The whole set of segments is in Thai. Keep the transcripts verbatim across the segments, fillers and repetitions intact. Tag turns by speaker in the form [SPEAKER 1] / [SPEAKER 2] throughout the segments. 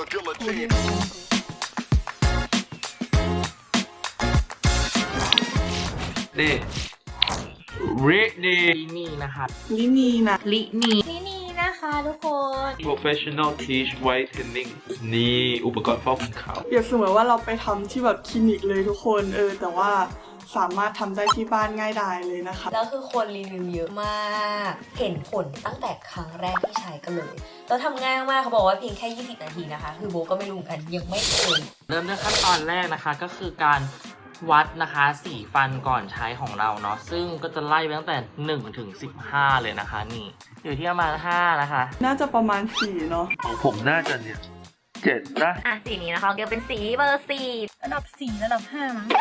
[SPEAKER 1] นี่รินีนี่นะครับ
[SPEAKER 2] ลินีนะลินี
[SPEAKER 3] นี่นี่นะคะทุกคน
[SPEAKER 1] professional teach whitening นี่อุปกรณ์ฟอกขาว
[SPEAKER 2] เปรียบเสมือนว่าเราไปทำที่แบบคลินิกเลยทุกคนเออแต่ว่าสามารถทำได้ที่บ้านง่ายดายเลยนะคะ
[SPEAKER 3] แล้วคือคนรีวิวเยอะมากเห็นผลตั้งแต่ครั้งแรกที่ใช้กันเลยแล้วทำง่ายมากเขาบอกว่าเพียงแค่ยี่สิบนาทีนะคะคือโบก็ไม่รู้กันยังไม่เคย
[SPEAKER 1] เริ่มด้วยขั้นตอนแรกนะคะก็คือการวัดนะคะสีฟันก่อนใช้ของเราเนาะซึ่งก็จะไล่ไปตั้งแต่หนึ่งถึงสิบห้าเลยนะคะนี่อยู่ที่ประมาณห้านะคะ
[SPEAKER 2] น่าจะประมาณสี่เนาะ
[SPEAKER 1] ของผมน่าจะเนี่ยเจ็ดนะ
[SPEAKER 3] อ่ะสีนี้นะคะเกี่ยวเป็นสีเบอร์สี่
[SPEAKER 2] ระดับสี่ระดับห้ามั้ง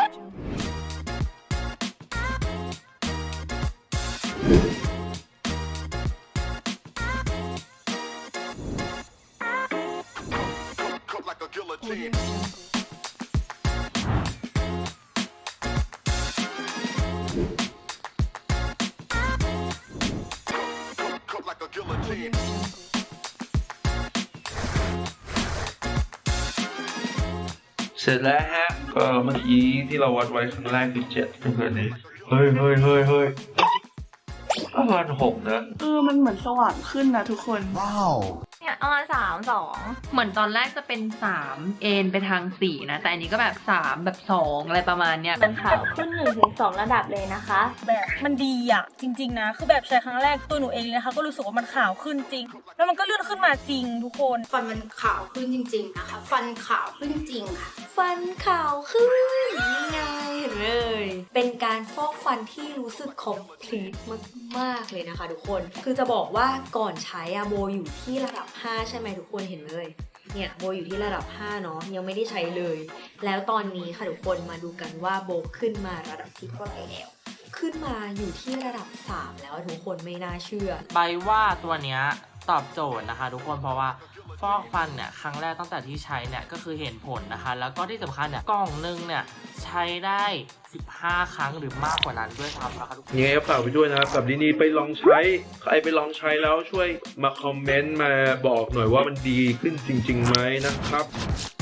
[SPEAKER 1] เสร็จแล้วฮะก็เมื่อกี้ที่เราวัดไว้ครั้งแรกคือเจ็ดเพื่อนนี้เฮ้ยเฮ้ยเฮ้ยเฮ้ยประมาณหกนะ
[SPEAKER 2] เออมันเหมือนสว่างขึ้นนะทุกคนว้าว
[SPEAKER 3] เนี่ยประมาณสามสอง
[SPEAKER 4] เหมือนตอนแรกจะเป็นสามเอ็นไปทางสี่นะแต่อันนี้ก็แบบสามแบบสองอะไรประมาณเนี้ย
[SPEAKER 3] มันขาวขึ้นหนึ่งถึงสองระดับเลยนะคะ
[SPEAKER 5] แบบมันดีอ่ะจริงๆนะคือแบบใช้ครั้งแรกตัวหนูเองนะคะก็รู้สึกว่ามันขาวขึ้นจริงแล้วมันก็เลื่อนขึ้นมาจริงทุกคน
[SPEAKER 6] ฟันมันขาวขึ้นจริงๆนะคะฟันขาวขึ้นจริงค่ะ
[SPEAKER 3] ฟันขาวขึ้นนี่ไงเห็นเลยเป็นการฟอกฟันที่รู้สึกคอมพลีทมากๆเลยนะคะทุกคนคือจะบอกว่าก่อนใช้อะโบอยู่ที่ระดับห้าใช่ไหมทุกคนเห็นเลยเนี่ยโบอยู่ที่ระดับห้าเนาะยังไม่ได้ใช้เลยแล้วตอนนี้ค่ะทุกคนมาดูกันว่าโบขึ้นมาระดับที่เท่าไหร่แล้วขึ้นมาอยู่ที่ระดับสามแล้วทุกคนไม่น่าเชื่อ
[SPEAKER 1] ใบว่าตัวเนี้ยตอบโจทย์นะคะทุกคนเพราะว่าฟอกฟันเนี่ยครั้งแรกตั้งแต่ที่ใช้เนี่ยก็คือเห็นผลนะคะแล้วก็ที่สำคัญเนี่ยกล่องนึงเนี่ยใช้ได้สิบห้าครั้งหรือมากกว่านั้นด้วยซ้ำนะคะทุกคนยังไงก็ฝากไปด้วยนะครับกับดีนีไปลองใช้ใครไปลองใช้แล้วช่วยมาคอมเมนต์มาบอกหน่อยว่ามันดีขึ้นจริงๆไหมนะครับ